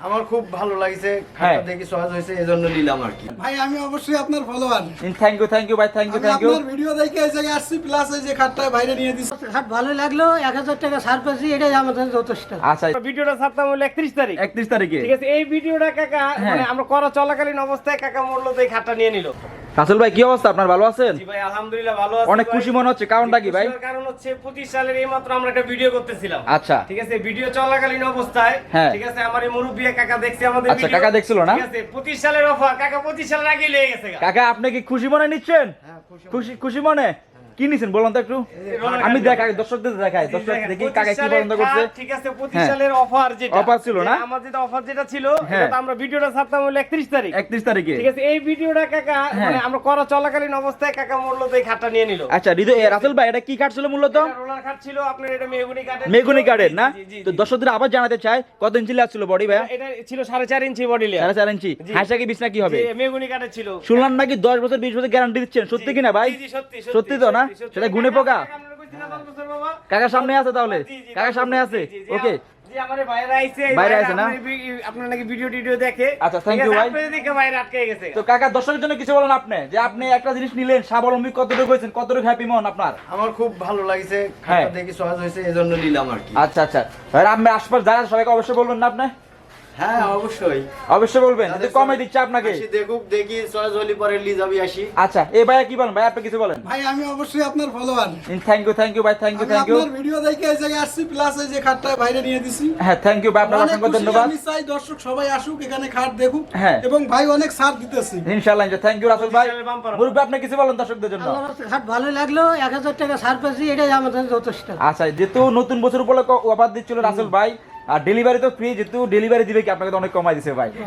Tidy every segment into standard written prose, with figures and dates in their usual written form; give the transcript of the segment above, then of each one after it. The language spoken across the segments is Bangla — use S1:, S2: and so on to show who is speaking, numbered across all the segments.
S1: আমার খুব ভালো লাগছে, খাটটা দেখি সহজ হয়েছে এজন্য নিলাম আর কি।
S2: ভাই আমি অবশ্যই আপনার ফলোয়ার।
S3: থ্যাংক ইউ ভাই, থ্যাংক ইউ।
S2: আপনার ভিডিও দেখে এই জায়গায় আসছি, প্লাস এই যে খাটটা বাইরে নিয়ে দিছি।
S4: খাট ভালো লাগলো, 1000 টাকা ছাড় পেয়েছি, এটাই আমাদের যথেষ্ট।
S3: আচ্ছা,
S5: ভিডিওটা ছাড়তাম হলো 31 তারিখ।
S3: 31 তারিখে
S5: ঠিক আছে, এই ভিডিওটা কাকা মানে আমরা করা চলাকালীন অবস্থায় কাকা মরলো তো এই খাটটা নিয়ে নিল।
S3: রাসেল ভাই কি অবস্থা আপনার, ভালো আছেন?
S5: জি ভাই আলহামদুলিল্লাহ ভালো আছি।
S3: অনেক খুশি মনে হচ্ছে, কারণটা কি ভাই?
S5: কারণ হচ্ছে 25 সালের এইমাত্র আমরা একটা ভিডিও করতেছিলাম।
S3: আচ্ছা
S5: ঠিক আছে, ভিডিও চলাকালীন অবস্থায় ঠিক আছে আমার এই মুরব্বি কাকা দেখছে আমাদের
S3: আচ্ছা,
S5: ভিডিও।
S3: কাকা দেখছিল না?
S5: ঠিক আছে, 25 সালের অফার কাকা 25 সালের আগে লেগে গেছে।
S3: কাকা আপনি কি খুশি মনে নিচ্ছেন? খুশি মনে কি নিছেন বলুন তো একটু, আমি দেখাই দর্শকদের দেখাই, দর্শক দেখি কাকা কি পছন্দ করছে।
S5: ঠিক আছে, 25 সালের অফার যেটা
S3: অফার ছিল না,
S5: আমার যেটা অফার যেটা ছিল এটা তো আমরা ভিডিওটা ছাড়তাম হলো 31 তারিখ।
S3: 31 তারিখে
S5: ঠিক আছে, এই ভিডিওটা কাকা মানে আমরা করা চলাকালীন অবস্থায় কাকা মরলো তো এই খাটটা নিয়ে নিল।
S3: আচ্ছা রাসেল ভাই এটা কি কাঠ ছিল মূলত?
S5: রোলার খাট ছিল আপনার, এটা
S3: মেগুনি কাঠের না? তো দর্শকদের আবার জানাতে চাই কত ইঞ্চি লেয়ার ছিল বডি ভাই?
S5: এটা ছিল 4.5 ইঞ্চি বডি লেয়ার।
S3: 4.5 ইঞ্চি। হাইসা কি বিছনা কি হবে?
S5: মেগুনি কাঠের ছিল।
S3: শুনলাম নাকি 10 বছর 20 বছর গ্যারান্টি দিচ্ছেন, সত্যি কিনা ভাই?
S5: জি সত্যি
S3: সত্যি তো না? সেটা গুনে পোকা কাকার সামনে আছে, তাহলে কাকার সামনে আছে। ওকে
S5: জি, আমারে বাইরে আইছে
S3: না?
S5: আপনার নাকি ভিডিও দেখে।
S3: আচ্ছা, থ্যাংক ইউ ভাই।
S5: আপনি দেখে বাইরে আটকে গেছে।
S3: তো কাকা দর্শকের জন্য কিছু বলেন আপনি, যে আপনি একটা জিনিস নিলেন, স্বাবলম্বী কতটুকু হয়েছেন, কতটুকু হ্যাপি মন আপনার?
S1: আমার খুব ভালো লাগছে, খাটটা দেখি সহজ হয়েছে এজন্য নিলাম আর কি।
S3: আচ্ছা ভাই, আমি আশপাশ যারা সবাইকে অবশ্যই বলবেন না আপনি?
S1: হ্যাঁ অবশ্যই
S3: বলবেন, যদি কমে দিচ্ছে আপনাকে।
S1: দেখি সহজ হলি পরে লি যাবি আসি।
S3: আচ্ছা এই ভাইয়া কি বলেন ভাই, আপনি কিছু বলেন?
S2: ভাই আমি অবশ্যই আপনার ফলোয়ার।
S3: থ্যাংক ইউ ভাই, থ্যাংক ইউ।
S2: আপনার ভিডিও দেখে এই জায়গায় আসছি, প্লাস এই যে খাটটা বাইরে নিয়ে দিছি।
S3: হ্যাঁ থ্যাংক ইউ ভাই, আপনার অসংখ্য ধন্যবাদ।
S2: আমি চাই দর্শক সবাই আসুক, এখানে খাট দেখুক।
S3: হ্যাঁ।
S2: এবং ভাই অনেক ছাড় দিতেছি
S3: ইনশাআল্লাহ। থ্যাংক ইউ রাসেল ভাই। মুরব্বি আপনি কিছু বলেন দর্শকদের জন্য?
S4: খাট ভালো লাগলো, 1000 টাকা ছাড় পেয়েছি, এটাই আমাদের যথেষ্ট।
S3: আচ্ছা, যেহেতু নতুন বছর উপলক্ষে অফার দিচ্ছিল রাসেল ভাই, আর ডেলিভারি তো ফ্রি, যেহেতু ডেলিভারি দিবে কি আপনাকে তো অনেক কমাই দিছে ভাই।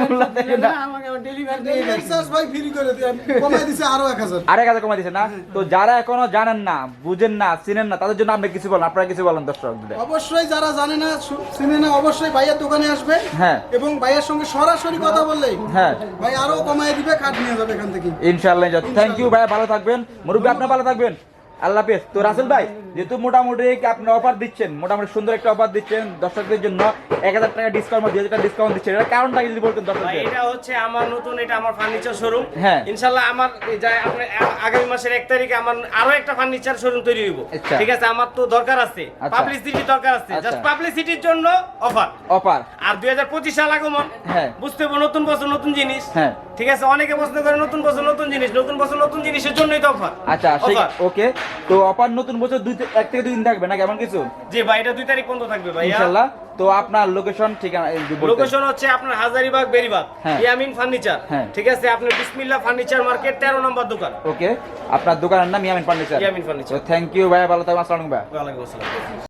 S2: ভাই ফ্রি করে দিয়ে কমাই দিছে আরো 1000।
S3: আর 1000 কমাই দিছে না? তো যারা এখনো জানেন না, বুঝেন না, চিনেন না, তাদের জন্য আপনি কিছু বলেন, আপনারা কিছু বলেন দর্শকদের।
S2: অবশ্যই যারা জানে না, চিনে না, অবশ্যই ভাইয়ের দোকানে আসবে।
S3: হ্যাঁ।
S2: এবং ভাইয়ের সঙ্গে সরাসরি কথা বললেই
S3: হ্যাঁ
S2: ভাই আরো কমাই দিবে, খাট নিয়ে যাবে এখান থেকে
S3: ইনশাআল্লাহ। থ্যাংক ইউ ভাই, ভালো থাকবেন। মুরব্বি আপনি ভালো থাকবেন, আল্লাহ হাফেজ। তো রাসেল ভাই যেহেতু মোটামুটি আপনি অফার দিচ্ছেন, মোটামুটি সুন্দর একটা অফার দিচ্ছেন দর্শকদের জন্য, 1000 টাকা ডিসকাউন্ট, 2000 টাকা ডিসকাউন্ট দিচ্ছেন, এর কারণটা যদি বলতেন
S5: ভাই,
S3: দর্শকদের।
S5: এটা হচ্ছে আমার নতুন, এটা আমার ফার্নিচার শোরুম।
S3: হ্যাঁ।
S5: ইনশাআল্লাহ আমার আপনি আগামী মাসের 1 তারিখে আমার আরো একটা ফার্নিচার শোরুম তৈরি হইব।
S3: আচ্ছা।
S5: ঠিক আছে, আমার তো দরকার আছে, পাবলিসিটি দরকার আছে, জাস্ট পাবলিসিটির জন্য অফার। আর 2025 সাল আগমন,
S3: হ্যাঁ
S5: বুঝতে হবে নতুন বছর নতুন জিনিস।
S3: হ্যাঁ
S5: ঠিক আছে, অনেকে প্রশ্ন করে নতুন বছর নতুন জিনিস, নতুন বছর নতুন জিনিসের জন্যই তো অফার।
S3: আচ্ছা ওকে। তো অফার নতুন বছর 1 থেকে 2 দিন থাকবে না, কেমন কিছু?
S5: জি ভাই, এটা 2 তারিখ পর্যন্ত থাকবে ভাই
S3: ইনশাআল্লাহ। তো আপনার লোকেশন ঠিকানা
S5: লোকেশন হচ্ছে আপনার হাজারীবাগ বেরিবাগ,
S3: হ্যাঁ।
S5: ইয়ামিন ফার্নিচার।
S3: হ্যাঁ।
S5: ঠিক আছে, আপনার বিসমিল্লাহ ফার্নিচার মার্কেট 13 নম্বর দোকান।
S3: ওকে, আপনার দোকানের নাম Yamin furniture.
S5: Yamin furniture.
S3: Thank you ভাই, ভালো থাকবেন। আসসালামু আলাইকুম ভাই।
S5: ওয়ালাইকুম আসসালাম।